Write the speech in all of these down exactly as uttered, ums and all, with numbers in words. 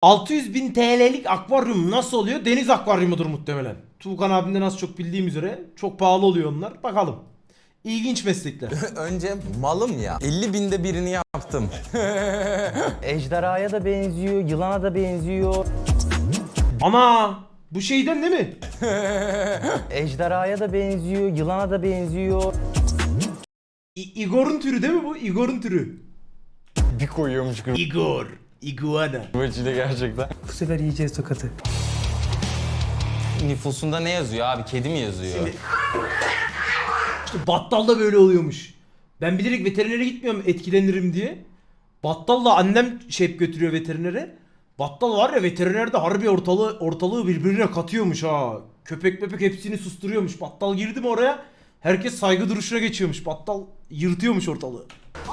altı yüz bin T L'lik akvaryum nasıl oluyor? Deniz akvaryumudur muhtemelen. Tuğkan abimden az çok bildiğim üzere. Çok pahalı oluyor onlar. Bakalım. İlginç meslekler. Önce malım ya. elli binde birini yaptım. Ejderhaya da benziyor, yılana da benziyor. Ana! Bu şeyden değil mi? Ejderhaya da benziyor, yılana da benziyor. İ- Igor'un türü değil mi bu? Igor'un türü. Bir koyuyormuş Igor. Iguana. kıvırcıyla gerçekten. Bu sefer yiyeceğiz tokatı. Nüfusunda ne yazıyor abi? Kedi mi yazıyor? Şimdi- İşte battal da böyle oluyormuş. Ben bilerek veterinere gitmiyorum etkilenirim diye. Battalla annem şey götürüyor veterinere. Battal var ya veterinerde harbi ortalığı ortalığı birbirine katıyormuş ha. Köpek mepek hepsini susturuyormuş. Battal girdi mi oraya? Herkes saygı duruşuna geçiyormuş. Battal yırtıyormuş ortalığı.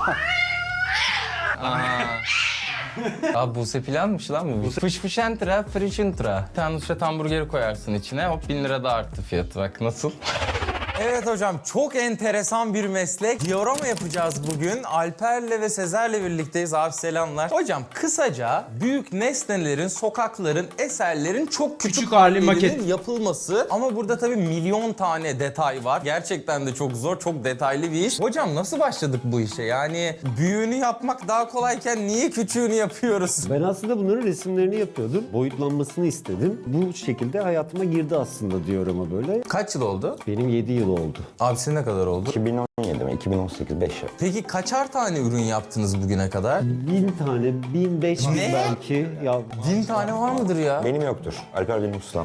Abi Buse planmış lan bu. Fış fış entra, friş intra. Bir tane Nusret hamburgeri koyarsın içine. Hop bin lira da arttı fiyatı bak nasıl? Evet hocam çok enteresan bir meslek. Diorama yapacağız bugün. Alper'le ve Sezer'le birlikteyiz abi selamlar. Hocam kısaca büyük nesnelerin, sokakların, eserlerin çok küçük, Küçük hali hallerinin maket. yapılması. Ama burada tabii milyon tane detay var. Gerçekten de çok zor, çok detaylı bir iş. Hocam nasıl başladık bu işe? Yani büyüğünü yapmak daha kolayken niye küçüğünü yapıyoruz? Ben aslında bunların resimlerini yapıyordum. Boyutlanmasını istedim. Bu şekilde hayatıma girdi aslında diorama böyle. Kaç yıl oldu? Benim yedi yıl oldu. Abi senin ne kadar oldu? iki bin on yedi mi? iki bin on sekiz, beş yıl. Peki kaçar tane ürün yaptınız bugüne kadar? Bin tane, bin beş bin Ne? belki. Ya Bin tane var mıdır ya? Benim yoktur. Alper benim ustam.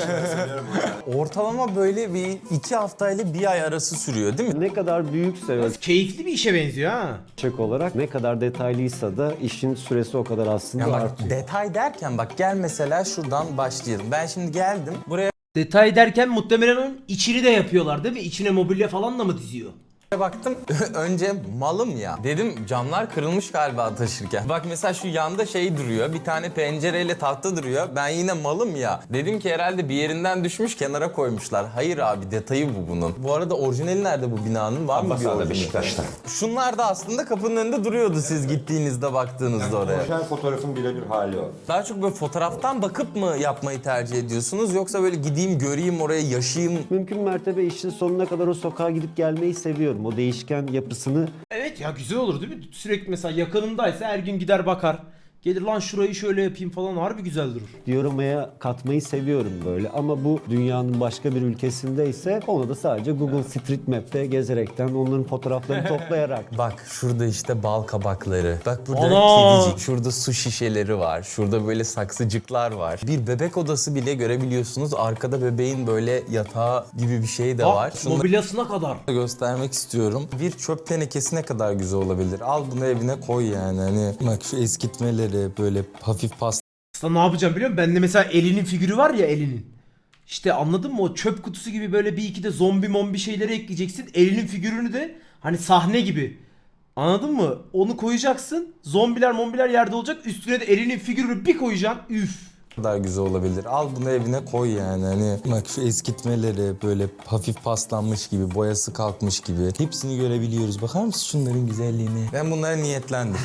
Ortalama böyle bir iki haftayla bir ay arası sürüyor değil mi? ne kadar büyükse Keyifli bir işe benziyor ha. ölçek olarak, ne kadar detaylıysa da işin süresi o kadar aslında Yani bak artıyor. detay derken bak gel mesela şuradan başlayalım. Ben şimdi geldim buraya Detay derken muhtemelen onun içini de yapıyorlar değil mi? İçine mobilya falan da mı diziyor? baktım. Önce malım ya. Dedim camlar kırılmış galiba taşırken. Bak mesela şu yanda şey duruyor. Bir tane pencereyle tahta duruyor. Ben yine malım ya. Dedim ki herhalde bir yerinden düşmüş kenara koymuşlar. Hayır abi detayı bu bunun. Bu arada orijinali nerede bu binanın? Var mı bir Abbasada, orijinali? Beşiktaş'ta. Şunlar da aslında kapının önünde duruyordu siz gittiğinizde baktığınızda oraya. Orijinal fotoğrafın birebir hali o. Daha çok böyle fotoğraftan bakıp mı yapmayı tercih ediyorsunuz yoksa böyle gideyim göreyim oraya yaşayayım? Mümkün mertebe işin sonuna kadar o sokağa gidip gelmeyi seviyorum. O değişken yapısını Evet ya güzel olur değil mi? Sürekli mesela yakınındaysa her gün gider bakar. Gelir lan şurayı şöyle yapayım falan harbi güzel durur. dioramaya katmayı seviyorum böyle. Ama bu dünyanın başka bir ülkesindeyse onu da sadece Google Street Map'te gezerekten onların fotoğraflarını toplayarak. Bak şurada işte bal kabakları. Bak burada Ana! kedicik. Şurada su şişeleri var. Şurada böyle saksıcıklar var. Bir bebek odası bile görebiliyorsunuz. Arkada bebeğin böyle yatağı gibi bir şey de Bak, var. Şunları mobilyasına kadar. göstermek istiyorum. Bir çöp tenekesi ne kadar güzel olabilir. Al bunu evine koy yani. Hani bak şu eskitmeleri böyle hafif pas Aslında ne yapacağım biliyor musun? Bende mesela Elinin figürü var ya Elinin. İşte anladın mı? O çöp kutusu gibi böyle bir iki de zombi mombi şeyleri ekleyeceksin. Elinin figürünü de hani sahne gibi. Anladın mı? Onu koyacaksın. Zombiler mombiler yerde olacak. Üstüne de Elinin figürünü bir koyacaksın. Üf. kadar güzel olabilir. Al bunu evine koy yani. Hani bak şu eskitmeleri böyle hafif paslanmış gibi, boyası kalkmış gibi. Hepsini görebiliyoruz. Bakar mısın şunların güzelliğine? Ben bunlara niyetlendim.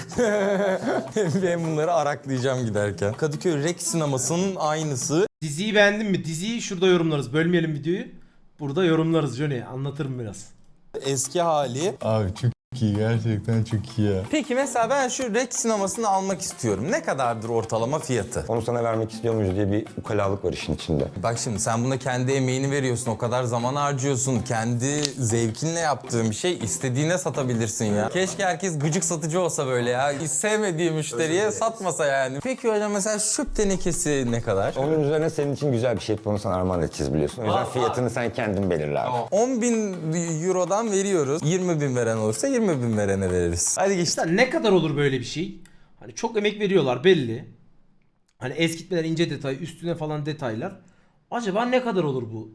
Ben bunları araklayacağım giderken. Kadıköy Rex sinemasının aynısı. Diziyi beğendin mi? Diziyi şurada yorumlarız. Bölmeyelim videoyu. Burada yorumlarız Johnny. Anlatırım biraz. Eski hali. Abi çok iyi. Gerçekten çok iyi ya. Peki mesela ben şu Rex sinemasını almak istiyorum. Ne kadardır ortalama fiyatı? Onu sana vermek istiyor muyuz diye bir ukalalık var işin içinde. Bak şimdi sen buna kendi emeğini veriyorsun, o kadar zaman harcıyorsun. Kendi zevkinle yaptığın bir şey istediğine satabilirsin ya. Keşke herkes gıcık satıcı olsa böyle ya. Hiç sevmediği müşteriye satmasa yani. Peki hocam mesela şöp tenekesi ne kadar? Onun üzerine senin için güzel bir şey yapıp onu sana armağan edeceğiz biliyorsun. O yüzden fiyatını sen kendin belirle abi. on bin eurodan veriyoruz. yirmi bin veren olursa yirmi bin verene veririz. Hadi geç. Mesela ne kadar olur böyle bir şey? Hani çok emek veriyorlar belli. Hani eskitmeler, ince detay, üstüne falan detaylar. Acaba ne kadar olur bu?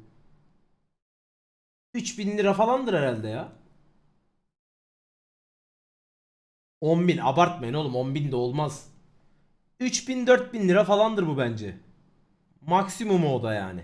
üç bin lira falandır herhalde ya. on bin abartmayın oğlum, on bin de olmaz. üç bin dört bin lira falandır bu bence. Maksimumu o da yani.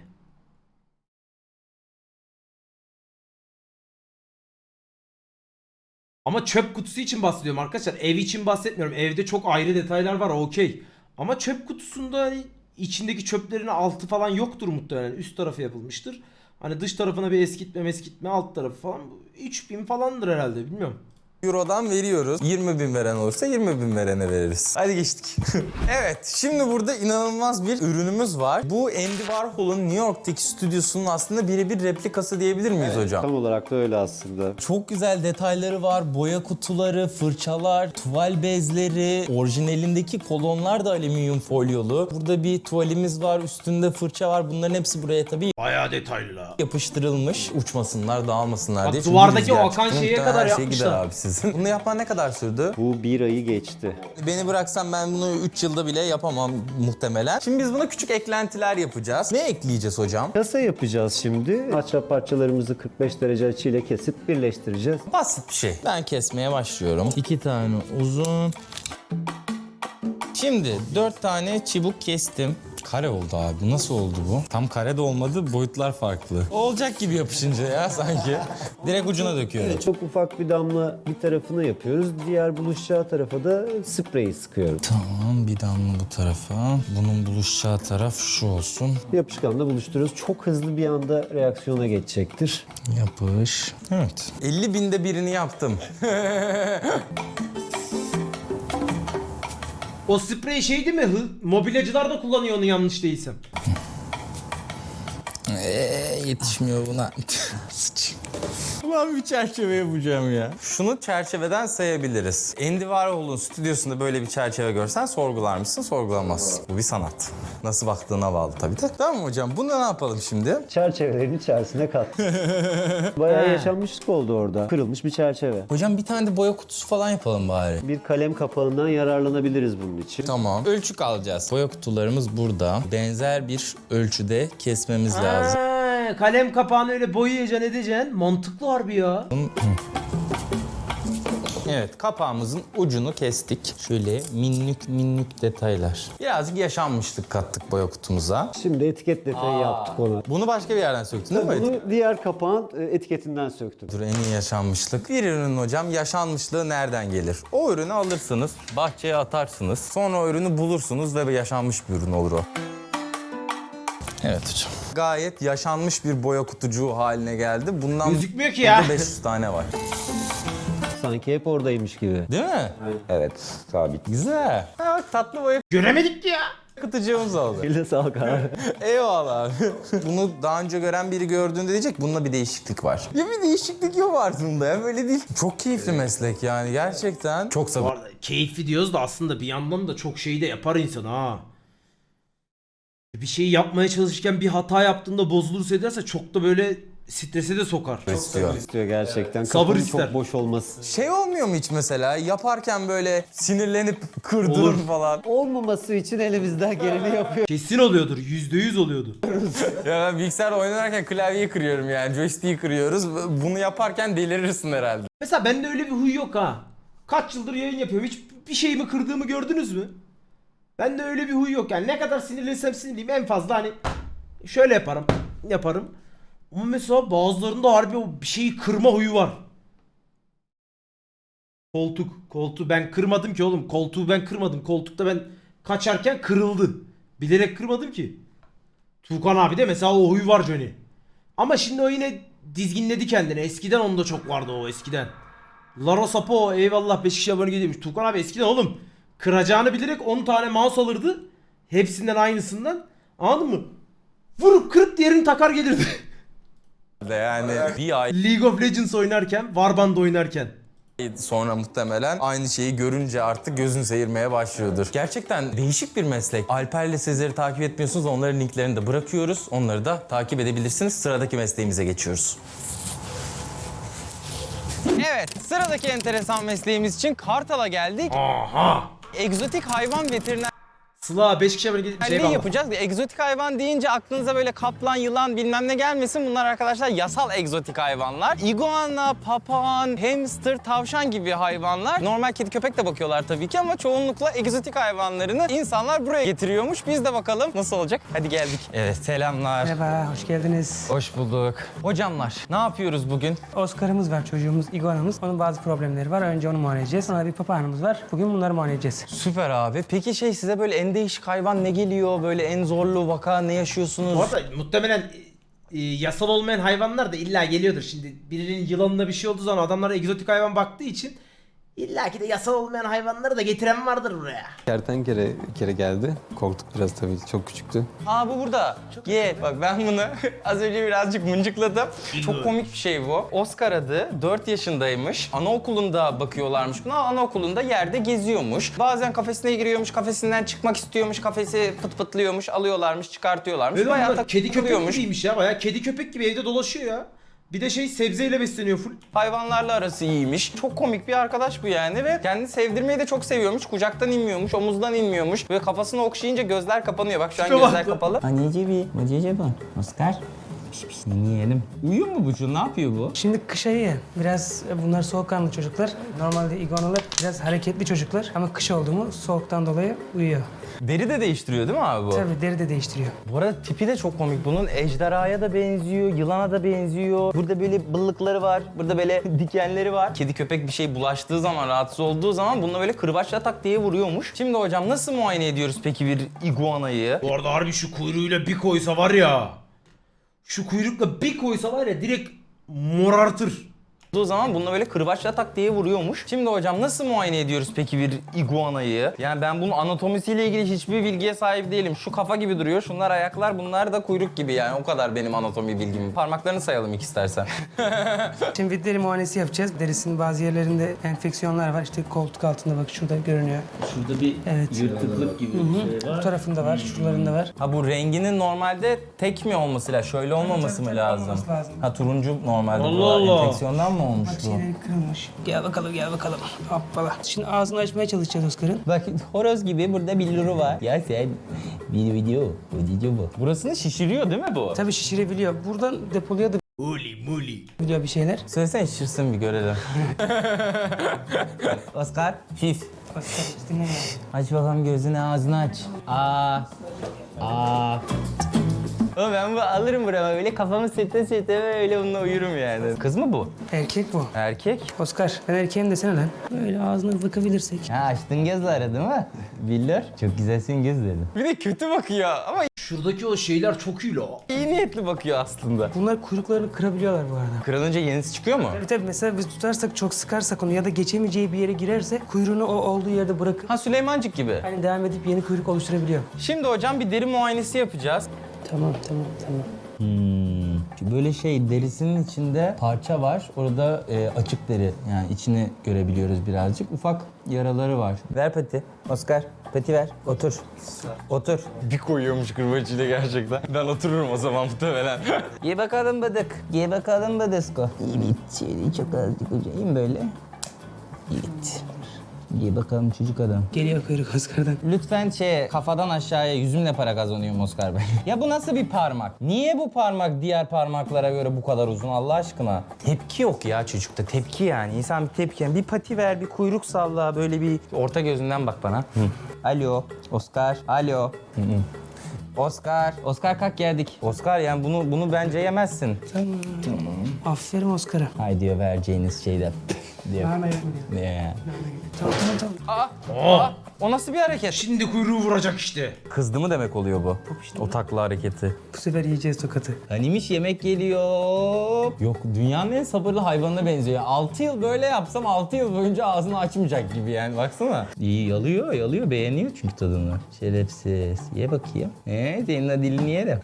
Ama çöp kutusu için bahsediyorum arkadaşlar. Ev için bahsetmiyorum. Evde çok ayrı detaylar var okey. Ama çöp kutusunda hani içindeki çöplerin altı falan yoktur muhtemelen. Üst tarafı yapılmıştır. Hani dış tarafına bir eskitme meskitme alt tarafı falan. üç bin falandır herhalde, bilmiyorum. Euro'dan veriyoruz. yirmi bin veren olursa yirmi bin verene veririz. Hadi geçtik. Evet, şimdi burada inanılmaz bir ürünümüz var. Bu Andy Warhol'un New York'taki stüdyosunun aslında birebir replikası diyebilir miyiz hocam? Tam olarak da öyle aslında. Çok güzel detayları var. Boya kutuları, fırçalar, tuval bezleri, orijinalindeki kolonlar da alüminyum folyolu. Burada bir tuvalimiz var, üstünde fırça var. Bunların hepsi buraya tabii Bayağı detaylı la. yapıştırılmış. Uçmasınlar, dağılmasınlar Bak, diye. Çünkü duvardaki rüzgar o akan çıktı. şeye Muhtemelen kadar her şey yapmışlar. gider abi sizin. Bunu yapman ne kadar sürdü? Bu bir ayı geçti. Beni bıraksan ben bunu üç yılda bile yapamam muhtemelen. Şimdi biz buna küçük eklentiler yapacağız. Ne ekleyeceğiz hocam? Kasa yapacağız şimdi. Ahşap parçalarımızı kırk beş derece açıyla kesip birleştireceğiz. Basit bir şey. Ben kesmeye başlıyorum. İki tane uzun. Şimdi dört tane çubuk kestim. Kare oldu abi. Nasıl oldu bu? Tam kare de olmadı. Boyutlar farklı. Olacak gibi yapışınca ya sanki. Direkt ucuna döküyorum. Çok ufak bir damla bir tarafına yapıyoruz. Diğer buluşacağı tarafa da spreyi sıkıyorum. Tamam, bir damla bu tarafa. Bunun buluşacağı taraf şu olsun. Yapışkanla buluşturuyoruz. Çok hızlı bir anda reaksiyona geçecektir. Yapış. Evet. elli binde birini yaptım. O sprey şey değil mi? Hı- Mobilyacılar da kullanıyor onu yanlış değilsem. Eee yetişmiyor buna. Sıç. Ben bir çerçeve yapacağım ya. Şunu çerçeveden sayabiliriz. Andy Warhol'un stüdyosunda böyle bir çerçeve görsen sorgular mısın? Sorgulamazsın. Bu bir sanat. Nasıl baktığına bağlı tabii de. Tamam mı hocam? Bunu ne yapalım şimdi? Çerçevelerin içerisine kat. Bayağı yaşanmışlık oldu orada. Kırılmış bir çerçeve. Hocam bir tane de boya kutusu falan yapalım bari. Bir kalem kapağından yararlanabiliriz bunun için. Tamam. Ölçü alacağız. Boya kutularımız burada. Benzer bir ölçüde kesmemiz lazım. Ha, kalem kapağını öyle boyayacaksın edeceksin. Mantıklı harbi ya. Evet, kapağımızın ucunu kestik. Şöyle minnük minnük detaylar. Birazcık yaşanmışlık kattık boya kutumuza. Şimdi etiket detayı yaptık ona. Bunu başka bir yerden söktün değil mi? Bunu diğer kapağın e, etiketinden söktüm. Dur, en iyi yaşanmışlık. Bir ürünün hocam yaşanmışlığı nereden gelir? O ürünü alırsınız, bahçeye atarsınız. Sonra o ürünü bulursunuz ve yaşanmış bir ürün olur o. Evet hocam. Gayet yaşanmış bir boya kutucuğu haline geldi. Bundan Gözükmüyor ki ya. burada beş yüz tane var. Sanki hep oradaymış gibi. Değil mi? Evet, sabit. Güzel. Ha, bak tatlı boya Göremedik ki ya. kutucuğumuz oldu. Eline sağlık abi. Eyvallah abi. Bunu daha önce gören biri gördüğünde diyecek bunda bir değişiklik var. Ya bir değişiklik yok aslında ya, böyle değil. Çok keyifli meslek yani gerçekten. Çok Bu sabır. arada keyifli diyoruz da aslında bir yandan da çok şey de yapar insan ha. Bir şeyi yapmaya çalışırken bir hata yaptığında bozulursa ederse çok da böyle strese de sokar. istiyor. İstiyor gerçekten. Sabır Kafanın ister. çok boş olması. Şey olmuyor mu hiç mesela yaparken böyle sinirlenip kırdığın Olur. falan? Olmaması için elimizden geleni yapıyor. Kesin oluyordur. Yüzde yüz oluyordu. Ya ben bilgisayarda oynarken klavyeyi kırıyorum yani, joystick'i kırıyoruz. Bunu yaparken delirirsin herhalde. Mesela bende öyle bir huy yok ha. Kaç yıldır yayın yapıyorum. Hiç bir şeyimi kırdığımı gördünüz mü? Bende öyle bir huy yok yani. Ne kadar sinirlensem sinirliyim en fazla hani şöyle yaparım. Yaparım. Ama mesela bazılarında harbi o bir şeyi kırma huyu var. Koltuk. Koltuğu ben kırmadım ki oğlum. Koltuğu ben kırmadım. Koltukta ben kaçarken kırıldı. Bilerek kırmadım ki. Tuğkan abi de mesela o huyu var Johnny. Ama şimdi o yine dizginledi kendini. Eskiden onda çok vardı o eskiden. Lara Sapo eyvallah beş kişi abone geliyormuş. Tuğkan abi eskiden oğlum kıracağını bilerek on tane mouse alırdı. Hepsinden aynısından. Anladın mı? Vurup kırıp diğerini takar gelirdi. Yani bir ay League of Legends oynarken, Warband oynarken. sonra muhtemelen aynı şeyi görünce artık gözün seyirmeye başlıyordur. Gerçekten değişik bir meslek. Alper'le Sezer'i takip etmiyorsunuz. Onların linklerini de bırakıyoruz. Onları da takip edebilirsiniz. Sıradaki mesleğimize geçiyoruz. Evet, sıradaki enteresan mesleğimiz için Kartal'a geldik. Aha! Egzotik hayvan veteriner Sıla beş kişi abone gelip bir şey ne bağla. yapacağız? Egzotik hayvan deyince aklınıza böyle kaplan, yılan bilmem ne gelmesin. Bunlar arkadaşlar yasal egzotik hayvanlar. İguana, papağan, hamster, tavşan gibi hayvanlar. Normal kedi köpek de bakıyorlar tabii ki ama çoğunlukla egzotik hayvanlarını insanlar buraya getiriyormuş. Biz de bakalım nasıl olacak. Hadi geldik. Evet, selamlar. Merhaba, hoş geldiniz. Hoş bulduk. Hocamlar, ne yapıyoruz bugün? Oscar'ımız var, çocuğumuz, iguanamız. Onun bazı problemleri var. Önce onu muayene edeceğiz. Sonra bir papağanımız var. Bugün bunları muayene edeceğiz. Süper abi. Peki şey size böyle Andy en değişik hayvan ne geliyor? Böyle en zorlu vaka ne yaşıyorsunuz? Bu arada muhtemelen e, yasal olmayan hayvanlar da illa geliyordur. Şimdi birinin yılanına bir şey olduğu zaman adamlar egzotik hayvan baktığı için illa ki de yasal olmayan hayvanları da getiren vardır buraya. Kertenkele bir kere geldi. Korktuk biraz tabii. Çok küçüktü. Aa bu burada. Ye bak ben bunu az önce birazcık mıncıkladım. Çok komik bir şey bu. Oscar adı dört yaşındaymış. Anaokulunda bakıyorlarmış buna. Anaokulunda yerde geziyormuş. Bazen kafesine giriyormuş, kafesinden çıkmak istiyormuş. Kafesi pıt pıtlıyormuş, alıyorlarmış, çıkartıyorlarmış. Böyle Bayağı bunlar kedi köpek takılıyormuş. gibiymiş ya, bayağı kedi köpek gibi evde dolaşıyor ya. Bir de şey sebzeyle besleniyor full. Hayvanlarla arası iyiymiş. Çok komik bir arkadaş bu yani ve kendini sevdirmeyi de çok seviyormuş. Kucaktan inmiyormuş, omuzdan inmiyormuş. Ve kafasını okşayınca gözler kapanıyor. Bak şu an Tipe bak gözler lan. kapalı. Anneciğim bir, anneciğim bu. Oscar. Piş piş yiyelim. Uyuyor mu bu şu? Ne yapıyor bu? Şimdi kış ayı ya, biraz e, bunlar soğukkanlı çocuklar. Normalde iguanalar biraz hareketli çocuklar ama kış oldu mu soğuktan dolayı uyuyor. Deri de değiştiriyor değil mi abi bu? Tabii deri de değiştiriyor. Bu arada tipi de çok komik bunun. Ejderhaya da benziyor, yılana da benziyor. Burada böyle bıllıkları var, burada böyle dikenleri var. Kedi köpek bir şey bulaştığı zaman, rahatsız olduğu zaman bununla böyle kırbaçla tak diye vuruyormuş. Şimdi hocam nasıl muayene ediyoruz peki bir iguanayı? Bu arada harbi şu kuyruğuyla bir koysa var ya. Şu kuyrukla bir koysa var ya direkt morartır. O zaman bununla böyle kırbaçla tak diye vuruyormuş. Şimdi hocam nasıl muayene ediyoruz peki bir iguanayı? Yani ben bunun anatomisiyle ilgili hiçbir bilgiye sahip değilim. Şu kafa gibi duruyor, şunlar ayaklar, bunlar da kuyruk gibi yani. O kadar benim anatomi bilgim. Parmaklarını sayalım ilk istersen. Şimdi deri muayenesi yapacağız. Derisinin bazı yerlerinde enfeksiyonlar var. İşte koltuk altında bak şurada görünüyor. Şurada bir Evet. yırtıklık gibi bir şey Bu var. tarafında var, şuralarında var. Ha bu renginin normalde tek mi olması lazım? Şöyle olmaması mı tabii, lazım? olması lazım. Ha turuncu normalde Allah bu. Allah. Enfeksiyondan mı olmuş Bak bu? şeyleri kırılmış. Gel bakalım, gel bakalım. Hoppala. Şimdi ağzını açmaya çalışacağız Oscar'ın. Bak horoz gibi burada billuru var. Ya sen bir video, video bu. Burasını şişiriyor değil mi bu? Tabii şişirebiliyor. Buradan depoluyor da Muli muli. biliyor bir şeyler. Söylesene şişirsin bir görelim. Oscar, fif. Oscar dinle. Aç bakalım gözünü, ağzını aç. Aa. Aa. Ama ben bu alırım burama böyle kafamı sete sete böyle bununla uyurum yani. Kız mı bu? Erkek bu. Erkek. Oscar, ben erkeğim desene lan. Böyle ağzına bakabilirsek. Ha açtın gözleri değil mi? Billur. Çok güzelsin göz dedim. Bir de kötü bakıyor ama Şuradaki o şeyler çok iyi la. iyi niyetli bakıyor aslında. Bunlar kuyruklarını kırabiliyorlar bu arada. Kırılınca yenisi çıkıyor mu? Tabii tabii mesela biz tutarsak, çok sıkarsak onu ya da geçemeyeceği bir yere girerse kuyruğunu o olduğu yerde bırakıp Ha Süleymancık gibi. hani devam edip yeni kuyruk oluşturabiliyor. Şimdi hocam bir deri muayenesi yapacağız. Tamam tamam tamam. Hmm. Böyle şey derisinin içinde parça var. Orada e, açık deri. Yani içini görebiliyoruz birazcık. Ufak yaraları var. Ver pati. Oscar pati ver. Otur. Otur. Bir koyuyormuş kırbacıyla gerçekten. Ben otururum o zaman muhtemelen. Ye bakalım bıdık. Ye bakalım bıdısko. Evet. Şöyle çok azıcık ucayım böyle. Evet. Ye bakalım çocuk adam. Geliyor kuyruk Oscar'dan. Lütfen şey kafadan aşağıya yüzümle para kazanıyorum Oscar Bey. Ya bu nasıl bir parmak? Niye bu parmak diğer parmaklara göre bu kadar uzun Allah aşkına? Tepki yok ya çocukta. Tepki yani. İnsan bir tepki. Yani bir pati ver, bir kuyruk salla. Böyle bir orta gözünden bak bana. Alo, Oscar. Alo. Oscar. Oscar kalk geldik. Oscar yani bunu bunu bence yemezsin. Tamam. Aferin Oscar'a. Hay diyor vereceğiniz şeyden. diyor. Nane yapma diyor. Ne ya? Tamam tamam tamam. Aa, o nasıl bir hareket? Şimdi kuyruğu vuracak işte. Kızdı mı demek oluyor bu? O takla hareketi. Bu sefer yiyeceğiz tokatı. Hanimiş yemek geliyor. Yok dünyanın en sabırlı hayvanına benziyor. altı yıl böyle yapsam altı yıl boyunca ağzını açmayacak gibi yani baksana. İyi yalıyor yalıyor beğeniyor çünkü tadını. Şerefsiz. Ye bakayım. Ee, senin de dilini yerim.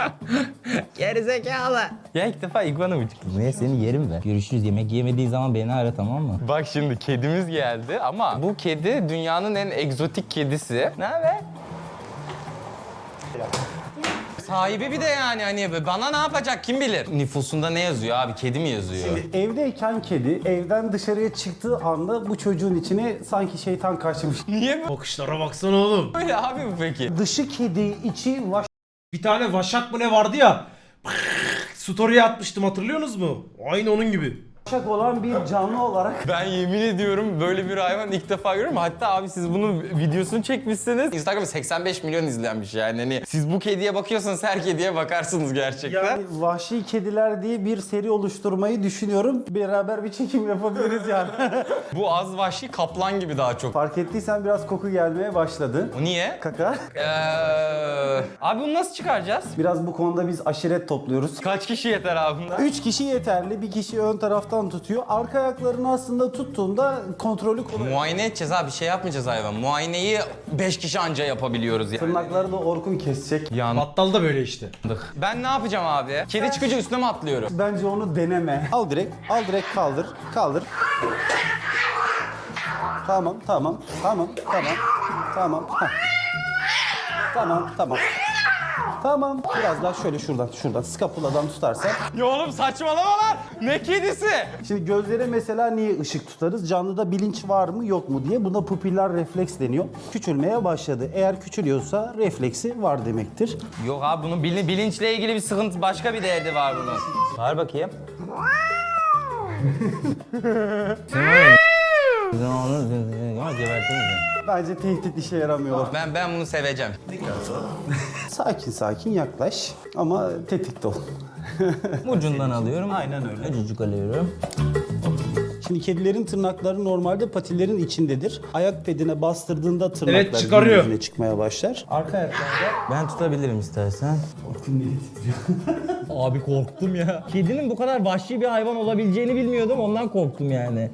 Gerizekalı. Ya ilk defa iguana mı çıktı? Ne seni yerim ben. Görüşürüz. Yemek yemediği zaman beni ara tamam mı? Bak şimdi kedimiz geldi ama bu kedi dünyanın en egzotik kedisi. Ne haber? Sahibi bir de yani hani bana ne yapacak kim bilir? Nüfusunda ne yazıyor abi? Kedi mi yazıyor? Evdeyken kedi, evden dışarıya çıktığı anda bu çocuğun içine sanki şeytan kaçmış. Niye bu- Bakışlara baksana oğlum. böyle abi bu peki? Dışı kedi, içi vaş. Bir tane vaşak mı ne vardı ya. Story'e atmıştım, hatırlıyorsunuz mu? Aynı onun gibi. Şak olan bir canlı olarak Ben yemin ediyorum böyle bir hayvan ilk defa görüyorum. Hatta abi siz bunun videosunu çekmişsiniz. Instagram'da seksen beş milyon izlenmiş yani. Hani siz bu kediye bakıyorsanız her kediye bakarsınız gerçekten. yani Vahşi Kediler diye bir seri oluşturmayı düşünüyorum. Beraber bir çekim yapabiliriz yani. Bu az vahşi kaplan gibi daha çok. Fark ettiysen biraz koku gelmeye başladı. O niye? Kaka. Ee, abi bunu nasıl çıkaracağız? Biraz bu konuda biz aşiret topluyoruz. Kaç kişi yeter abi bunda? Üç kişi yeterli. Bir kişi ön taraftan tutuyor. Arka ayaklarını aslında tuttuğunda kontrolü kolay. Muayene edeceğiz abi, bir şey yapmayacağız hayvan. Muayeneyi beş kişi anca yapabiliyoruz yani. Tırnakları da Orkun kesecek. Yandık. Battal da böyle işte. Ben ne yapacağım abi? Kedi çıkınca üstüne mi atlıyorum? Bence onu deneme. Al direkt, al direkt kaldır, kaldır. Tamam, tamam, tamam, tamam, tamam. Heh. Tamam, tamam. Tamam, biraz daha şöyle şuradan, şuradan skapuladan tutarsan. Ya oğlum saçmalama lan! Ne kedisi? Şimdi gözlere mesela niye ışık tutarız? Canlıda bilinç var mı yok mu diye. Buna pupiller refleks deniyor. Küçülmeye başladı. Eğer küçülüyorsa refleksi var demektir. Yok abi bunun bilin, bilinçle ilgili bir sıkıntı, başka bir derdi var bunun. Var bakayım. Bence tehdit işe yaramıyor. Ben ben bunu seveceğim. Sakin sakin yaklaş ama tetikte ol. Ucundan alıyorum. Aynen öyle. Öcücük alıyorum. Şimdi kedilerin tırnakları normalde patilerin içindedir. Ayak pedine bastırdığında tırnaklar Evet, çıkarıyor. gün yüzüne çıkmaya başlar. Arka ayaklarda Ben tutabilirim istersen. Abi korktum ya. Kedinin bu kadar vahşi bir hayvan olabileceğini bilmiyordum. Ondan korktum yani.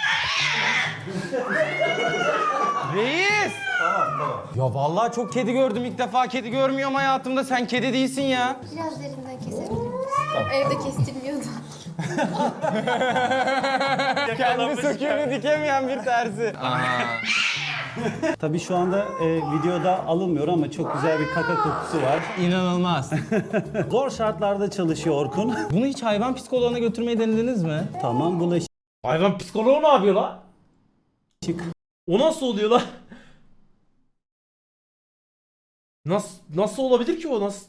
Reis! Ya vallahi çok kedi gördüm, ilk defa kedi görmüyorum hayatımda. Sen kedi değilsin ya. Biraz derinden kesebilir misin? Evde kestirmiyordu. Kendi söküğünü dikemeyen bir terzi. Aha. Tabii şu anda e, videoda alınmıyor ama çok güzel bir kaka kokusu var. İnanılmaz. Zor şartlarda çalışıyor Orkun. Bunu hiç hayvan psikoloğuna götürmeyi denediniz mi? Tamam bulaşık. Hayvan psikoloğu ne yapıyor lan? O nasıl oluyor lan? Nasıl nasıl olabilir ki o nasıl?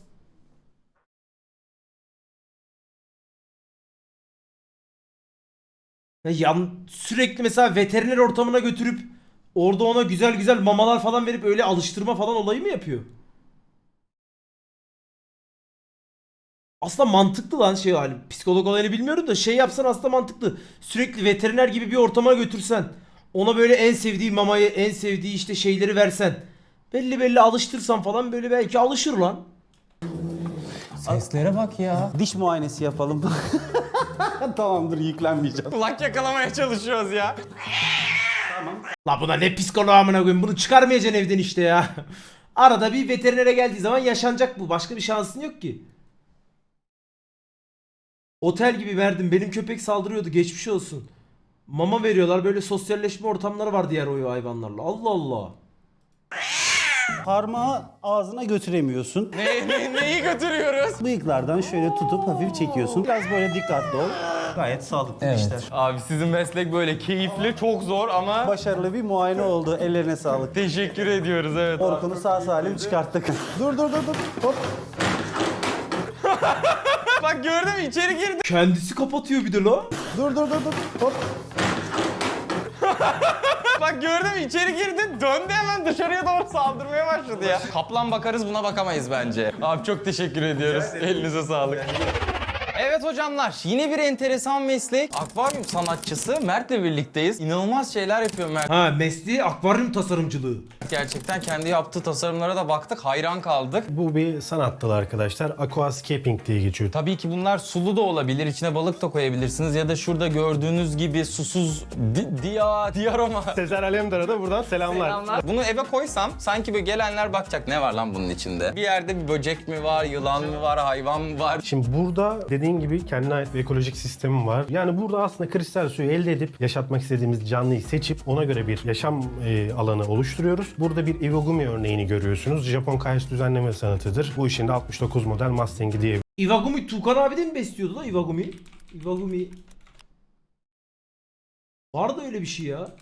Ya yan, sürekli mesela veteriner ortamına götürüp orada ona güzel güzel mamalar falan verip öyle alıştırma falan olayı mı yapıyor? Aslında mantıklı lan şey hali. Psikolog olayını bilmiyorum da şey yapsan aslında mantıklı. Sürekli veteriner gibi bir ortama götürsen. Ona böyle en sevdiği mamayı, en sevdiği işte şeyleri versen. Belli belli alıştırsan falan böyle belki alışır lan. Seslere bak ya. Diş muayenesi yapalım. Tamamdır yüklenmeyeceğim. Kulak yakalamaya çalışıyoruz ya. La buna ne psikoloğu amına koyayım, bunu çıkarmayacaksın evden işte ya. Arada bir veterinere geldiği zaman yaşanacak bu. Başka bir şansın yok ki. Otel gibi verdim. Benim köpek saldırıyordu. Geçmiş olsun. Mama veriyorlar. Böyle sosyalleşme ortamları var diğer o hayvanlarla. Allah Allah. Parmağı ağzına götüremiyorsun. Ne, ne- neyi götürüyoruz? Bıyıklardan şöyle tutup hafif çekiyorsun. Biraz böyle dikkatli ol. Gayet sağlıklı Evet. işler. Abi sizin meslek böyle keyifli, çok zor ama Başarılı bir muayene oldu. Ellerine sağlık. teşekkür ediyoruz evet. Orkun'u sağ salim çıkarttık. dur dur dur dur. Hop. Bak gördün mü içeri girdi. Kendisi kapatıyor bir de la. Dur dur dur dur. Hop. Bak gördün mü içeri girdi. Döndü hemen dışarıya doğru saldırmaya başladı ya. Kaplan bakarız, buna bakamayız bence. Abi çok teşekkür ediyoruz. Elinize sağlık. Evet hocamlar, yine bir enteresan meslek. Akvaryum sanatçısı Mert'le birlikteyiz. İnanılmaz şeyler yapıyor Mert. Ha, mesleği akvaryum tasarımcılığı. Gerçekten kendi yaptığı tasarımlara da baktık, hayran kaldık. Bu bir sanat dalı arkadaşlar. Aquascaping diye geçiyor. Tabii ki bunlar sulu da olabilir, içine balık da koyabilirsiniz ya da şurada gördüğünüz gibi susuz di diya diaroma. Sezer Alemdar'a da buradan selamlar. Selamlar. Bunu eve koysam sanki böyle gelenler bakacak, ne var lan bunun içinde? Bir yerde bir böcek mi var, yılan mı var, hayvan mı var? Şimdi burada dediğin gibi kendine ait bir ekolojik sistemim var. Yani burada aslında kristal suyu elde edip yaşatmak istediğimiz canlıyı seçip ona göre bir yaşam e, alanı oluşturuyoruz. Burada bir Iwagumi örneğini görüyorsunuz. Japon kayaç düzenleme sanatıdır. Bu işin de altmış dokuz model Mustang'i diye. Iwagumi Tukan abi de mi besliyordu la Iwagumi? Iwagumi. Var da öyle bir şey ya.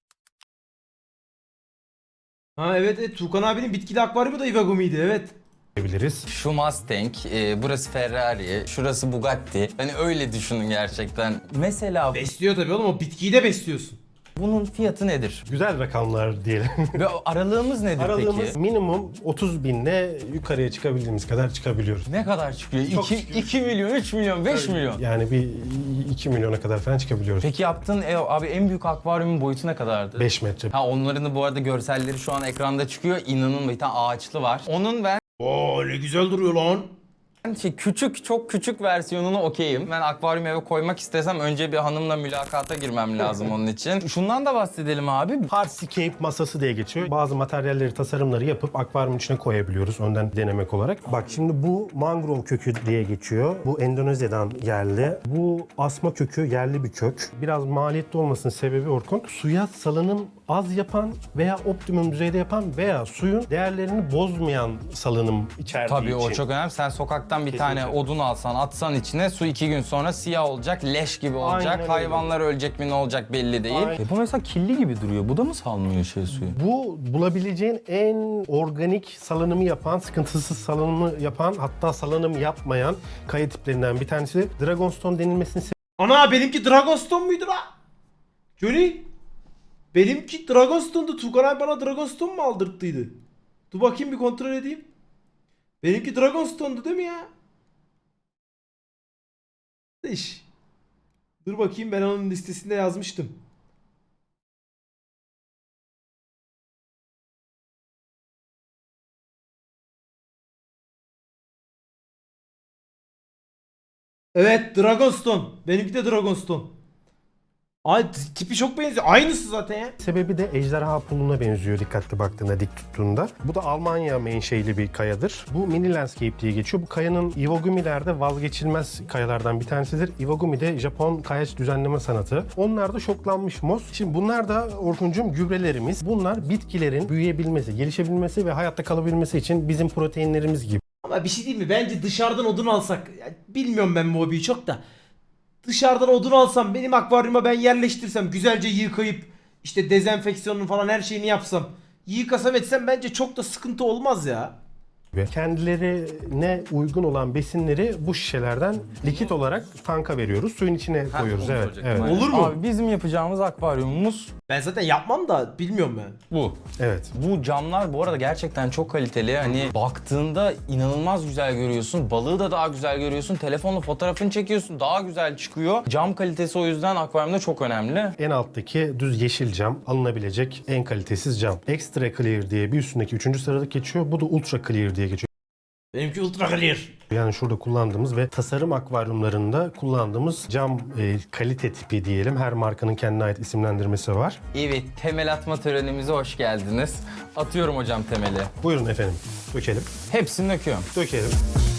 Ha evet, evet Tukan abinin bitkili akvaryumu da Iwagumi'ydi evet. Biliriz. Şu Mustang, e, burası Ferrari, şurası Bugatti. Hani öyle düşünün gerçekten. Mesela Besliyor tabii oğlum, o bitkiyi de besliyorsun. bunun fiyatı nedir? Güzel rakamlar diyelim. Ve aralığımız nedir Aralığımız peki? minimum otuz binle yukarıya çıkabildiğimiz kadar çıkabiliyoruz. Ne kadar çıkıyor? Çok iki, çıkıyor. iki milyon, üç milyon, beş milyon. Yani bir iki milyona kadar falan çıkabiliyoruz. Peki yaptığın ev, abi en büyük akvaryumun boyutu ne kadardı? beş metre. Ha, onların da bu arada görselleri şu an ekranda çıkıyor. İnanın, bir tane ağaçlı var. Onun ben Oo ne güzel duruyor lan. şey, küçük, çok küçük versiyonunu okeyim. Ben akvaryum eve koymak istesem önce bir hanımla mülakata girmem lazım onun için. Şundan da bahsedelim abi. Hardscape masası diye geçiyor. Bazı materyalleri, tasarımları yapıp akvaryumun içine koyabiliyoruz önden denemek olarak. Bak şimdi bu mangrove kökü diye geçiyor. Bu Endonezya'dan yerli. Bu asma kökü yerli bir kök. Biraz maliyetli olmasının sebebi Orkun, suya salınım az yapan veya optimum düzeyde yapan veya suyun değerlerini bozmayan salınım içerdiği Tabii için. o çok önemli. Sen sokaktan bir Kesinlikle. tane odun alsan, atsan içine, su iki gün sonra siyah olacak, leş gibi olacak. Aynen öyle. Hayvanlar ölecek mi, ne olacak belli değil. Aynen. E bu mesela kirli gibi duruyor. Bu da mı salmıyor şey suyu? Bu bulabileceğin en organik salınımı yapan, sıkıntısız salınımı yapan, hatta salınım yapmayan kaya tiplerinden bir tanesi. Dragonstone denilmesinin Ana benimki Dragonstone muydu la? Johnny. Benimki Dragonstone'du. Tugan abi bana Dragonstone mu aldırttıydı? Dur bakayım bir kontrol edeyim. Benimki Dragonstone'du değil mi ya? İş. Dur bakayım, ben onun listesinde yazmıştım. Evet, Dragonstone. Benimki de Dragonstone. Ay t- tipi çok benziyor. Aynısı zaten ya. sebebi de ejderha puluna benziyor dikkatli baktığında, dik tuttuğunda. Bu da Almanya menşeili bir kayadır. Bu mini landscape diye geçiyor. Bu kayanın Iwagumi'lerde vazgeçilmez kayalardan bir tanesidir. Iwagumi de Japon kayaç düzenleme sanatı. Onlar da şoklanmış mos. Şimdi bunlar da Orkuncuğum gübrelerimiz. Bunlar bitkilerin büyüyebilmesi, gelişebilmesi ve hayatta kalabilmesi için bizim proteinlerimiz gibi. Ama bir şey değil mi? Bence dışarıdan odun alsak. Ya bilmiyorum ben bu hobiyi çok da. Dışarıdan odun alsam, benim akvaryuma ben yerleştirsem, güzelce yıkayıp işte dezenfeksiyonunu falan her şeyini yapsam, yıkasam etsem bence çok da sıkıntı olmaz ya. Kendilerine uygun olan besinleri bu şişelerden likit olarak tanka veriyoruz. Suyun içine koyuyoruz. onu Evet, soracaktım. evet. Olur mu? Abi bizim yapacağımız akvaryumumuz Ben zaten yapmam da bilmiyorum ben. bu. Evet. Bu camlar bu arada gerçekten çok kaliteli. Hani baktığında inanılmaz güzel görüyorsun. Balığı da daha güzel görüyorsun. Telefonla fotoğrafını çekiyorsun, daha güzel çıkıyor. Cam kalitesi o yüzden akvaryumda çok önemli. En alttaki düz yeşil cam alınabilecek en kalitesiz cam. Extra Clear diye bir üstündeki üçüncü sıralık geçiyor. Bu da Ultra Clear diye geçiyor. Benimki ultra clear. Yani şurada kullandığımız ve tasarım akvaryumlarında kullandığımız cam e, kalite tipi diyelim. Her markanın kendine ait isimlendirmesi var. Evet, temel atma törenimize hoş geldiniz. Atıyorum hocam temeli. Buyurun efendim. Dökelim. Hepsini döküyorum. Dökelim.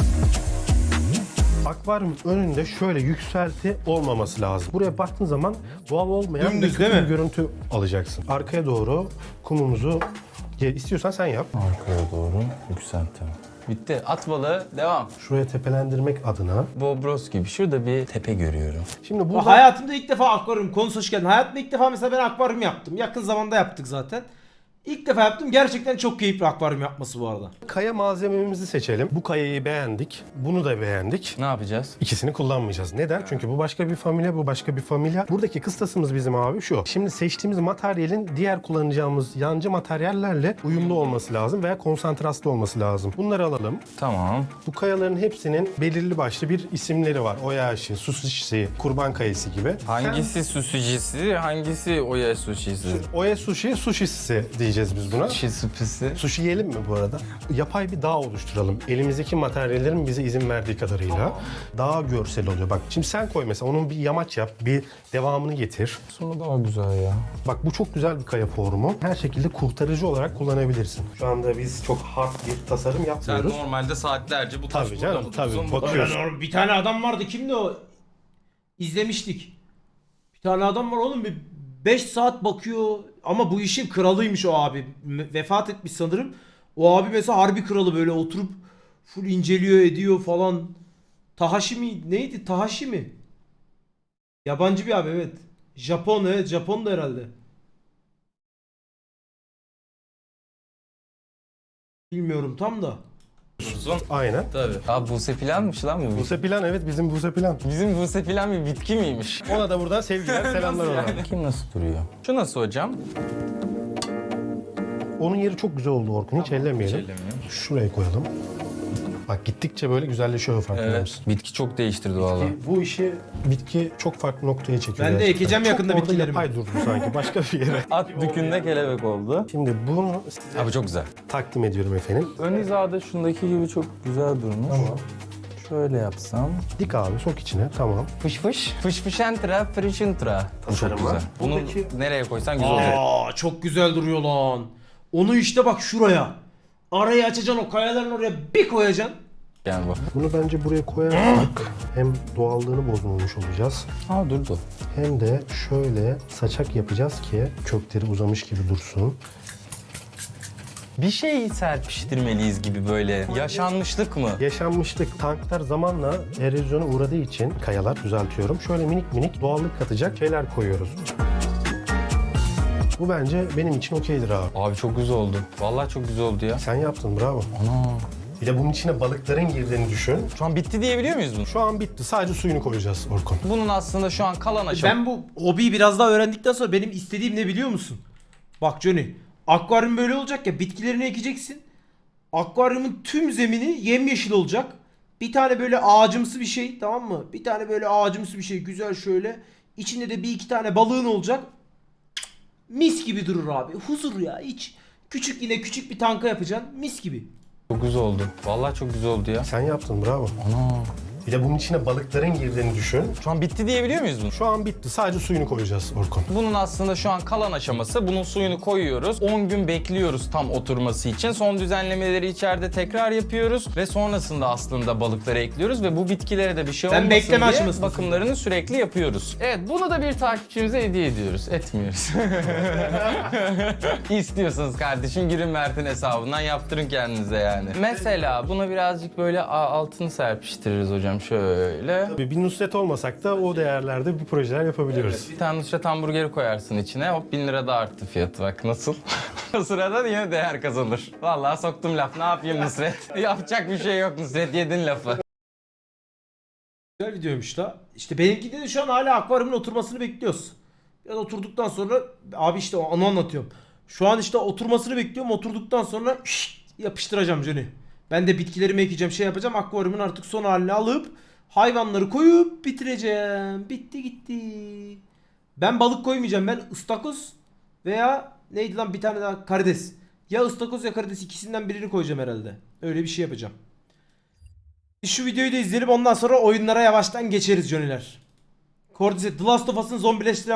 Akvaryumun önünde şöyle yükselti olmaması lazım. Buraya baktığın zaman doğal olmayan Dümdüz bir değil kötü mi? bir görüntü alacaksın. Arkaya doğru kumumuzu Ye- istiyorsan sen yap. Arkaya doğru yükseltelim. Bitti. At balığı, devam. Şuraya tepelendirmek adına. Bobros gibi. Şurada bir tepe görüyorum. Şimdi burada Hayatımda ilk defa akvaryum konusu hoş geldin. Hayatımda ilk defa mesela ben akvaryum yaptım. Yakın zamanda yaptık zaten. İlk defa yaptım. Gerçekten çok keyifli akvaryum yapması bu arada. kaya malzememizi seçelim. Bu kayayı beğendik. Bunu da beğendik. Ne yapacağız? İkisini kullanmayacağız. Neden? Çünkü bu başka bir familya, bu başka bir familya. Buradaki kıstasımız bizim abi şu. Şimdi seçtiğimiz materyalin diğer kullanacağımız yancı materyallerle uyumlu olması lazım veya konsantraslı olması lazım. Bunları alalım. Tamam. Bu kayaların hepsinin belirli başlı bir isimleri var. Oyashi, Sushishi, Kurban Kayası gibi. Hangisi sushi'cisi, hangisi oya sushi'si? Oya sushi, sushisi diyeceğiz biz buna. Sushi. Sushi yiyelim mi bu arada? Yapay bir dağ oluşturalım. Elimizdeki materyallerin bize izin verdiği kadarıyla. Daha görsel oluyor. Bak şimdi sen koy mesela, onun bir yamaç yap, bir devamını getir. Sonra daha güzel ya. Bak bu çok güzel bir kaya formu. Her şekilde kurtarıcı olarak kullanabilirsin. Şu anda biz çok hard bir tasarım yapmıyoruz. normalde saatlerce bu taş Tabii canım, burada, tabii. uzun Bakıyoruz. Öyle, bir tane adam vardı. Kimdi o? İzlemiştik. Bir tane adam var oğlum. Bir beş saat bakıyor. Ama bu işin kralıymış o abi. Me- Vefat etmiş sanırım. O abi mesela harbi kralı, böyle oturup full inceliyor ediyor falan. Tahashi mi? Neydi? Tahashi mi? Yabancı bir abi, evet. Japon, evet. Japon da herhalde. Bilmiyorum tam da. koymuşsun. Aynen. Tabii. Abi Buse Plan'mış lan bu. Buse Plan, evet bizim Buse Plan. Bizim Buse Plan bir bitki miymiş? Ona da buradan sevgiler, selamlar ona. Kim nasıl duruyor? Şu nasıl hocam? Onun yeri çok güzel oldu Orkun, hiç ellemeyelim. ellemeyelim. Şuraya koyalım. Bak gittikçe böyle güzelleşiyor, farkında Evet. mısın? Bitki çok değiştirdi vallahi. Bu işi bitki çok farklı noktaya çekiyor. Ben de gerçekten. ekeceğim yakında çok orada bitkilerimi. yapay durdu sanki başka bir yere. At dükünde kelebek oldu. Şimdi bunu size Abi çok güzel. takdim ediyorum efendim. Ön hizada şundaki gibi çok güzel durmuş. Tamam. Şöyle yapsam. Dik abi, sok içine, tamam. Fış fış. Fış fışentra, frişintra. Bu çok Tasarım güzel. var. Bunu Buradaki- nereye koysan güzel olacak. Aa çok güzel duruyor lan. Onu işte bak şuraya. Arayı açacaksın, o kayaların oraya bir koyacaksın. Yani bu. Bunu bence buraya koyarsak hem doğallığını bozmamış olacağız, Aa durdu. hem de şöyle saçak yapacağız ki kökleri uzamış gibi dursun. Bir şey serpiştirmeliyiz gibi böyle. Yaşanmışlık mı? Yaşanmışlık, tanklar zamanla erozyona uğradığı için, kayalar düzeltiyorum, şöyle minik minik doğallık katacak şeyler koyuyoruz. Bu bence benim için okeydir abi. Abi çok güzel oldu. Vallahi çok güzel oldu ya. Sen yaptın, bravo. Ana. Bir de bunun içine balıkların girdiğini düşün. Şu an bitti diyebiliyor muyuz bunu? Şu an bitti, sadece suyunu koyacağız Orkun. Bunun aslında şu an kalan aşama. Ben bu hobiyi biraz daha öğrendikten sonra benim istediğim ne biliyor musun? Bak Johnny, akvaryum böyle olacak ya, bitkilerini ekeceksin. Akvaryumun tüm zemini yemyeşil olacak. Bir tane böyle ağacımsı bir şey, tamam mı? Bir tane böyle ağacımsı bir şey, güzel şöyle. İçinde de bir iki tane balığın olacak. Mis gibi durur abi. Huzur ya, hiç. Küçük, yine küçük bir tanka yapacaksın. Mis gibi. Çok güzel oldu. Vallahi çok güzel oldu ya. Sen yaptın, bravo. Ana. Bir de bunun içine balıkların girdiğini düşün. Şu an bitti diyebiliyor muyuz bunu? Şu an bitti, sadece suyunu koyacağız Orkun. Bunun aslında şu an kalan aşaması. Bunun suyunu koyuyoruz. on gün bekliyoruz tam oturması için. Son düzenlemeleri içeride tekrar yapıyoruz. Ve sonrasında aslında balıkları ekliyoruz. Ve bu bitkilere de bir şey Sen olmasın bekleme diye aşamasındasın. bakımlarını sürekli yapıyoruz. Evet, bunu da bir takipçimize hediye ediyoruz. Etmiyoruz. İstiyorsanız kardeşim girin Mert'in hesabından yaptırın kendinize yani. Mesela buna birazcık böyle a- altını serpiştiririz hocam şöyle. Tabii bir Nusret olmasak da o değerlerde bir projeler yapabiliyoruz. Bir tane Nusret hamburgeri koyarsın içine. Hop bin lira da arttı fiyatı, bak nasıl. O sırada yine değer kazanır. Vallahi soktum laf. Ne yapayım Nusret? Yapacak bir şey yok Nusret, yedin lafı. Güzel videoymuş da. İşte benimkinde de şu an hala akvaryumun oturmasını bekliyoruz. Biraz oturduktan sonra abi işte onu anlatıyorum. Şu an işte oturmasını bekliyorum. Oturduktan sonra şşt, yapıştıracağım Johnny. Ben de bitkilerimi ekeceğim, şey yapacağım. Akvaryumun artık son halini alıp hayvanları koyup bitireceğim. Bitti gitti. Ben balık koymayacağım. Ben ıstakoz veya neydi lan bir tane daha karides. Ya ıstakoz ya karides, ikisinden birini koyacağım herhalde. Öyle bir şey yapacağım. Şu videoyu da izleyelim, ondan sonra oyunlara yavaştan geçeriz Johnny'ler. Cordyceps, The Last of Us'ın zombileştiren